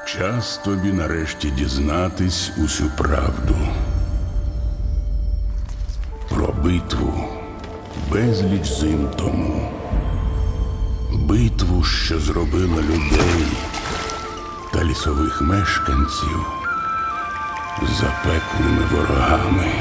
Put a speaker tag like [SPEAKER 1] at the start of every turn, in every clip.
[SPEAKER 1] Час тобі нарешті дізнатись усю правду. Про битву безліч зим тому. Битву, що зробила людей та лісових мешканців запеклими ворогами.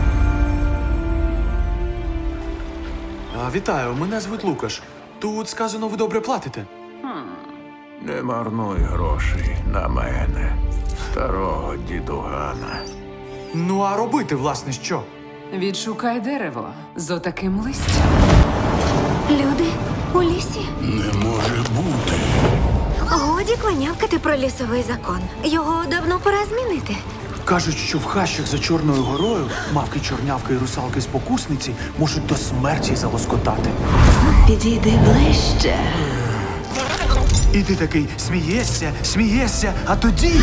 [SPEAKER 2] Вітаю, мене звуть Лукаш. Тут сказано, ви добре платите.
[SPEAKER 3] Не марнуй грошей на мене, старого дідугана.
[SPEAKER 2] Ну, а робити, власне, що?
[SPEAKER 4] Відшукай дерево з отаким листям.
[SPEAKER 5] Люди у лісі?
[SPEAKER 1] Не може бути.
[SPEAKER 5] Годі кланявкати про лісовий закон. Його давно пора змінити.
[SPEAKER 2] Кажуть, що в хащах за Чорною горою мавки, чорнявки і русалки-спокусниці можуть до смерті залоскотати.
[SPEAKER 6] Підійди ближче.
[SPEAKER 2] І ти такий смієшся, а тоді...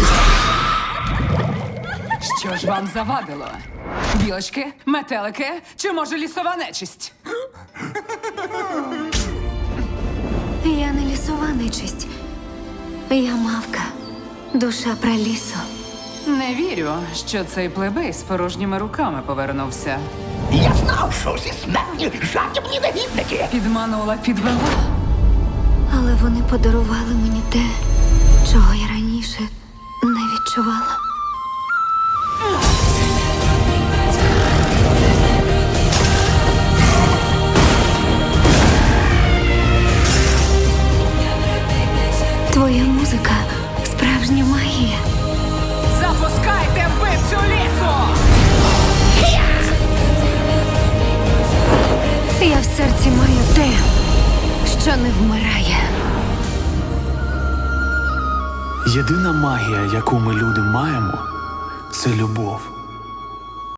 [SPEAKER 4] Що ж вам завадило? Білочки, метелики чи, може, лісова нечисть?
[SPEAKER 5] Я не лісова нечисть. Я мавка. Душа пралісу.
[SPEAKER 4] Не вірю, що цей плебей з порожніми руками повернувся.
[SPEAKER 7] Я знав, що всі смертні жадібні негідники.
[SPEAKER 4] Підманула, підвела.
[SPEAKER 5] Але вони подарували мені те, чого я раніше не відчувала. Твоя музика – справжня магія.
[SPEAKER 4] Запускайте вбивцю лісу!
[SPEAKER 5] Я в серці маю те, що не вмирає.
[SPEAKER 2] Єдина магія, яку ми люди маємо, це любов.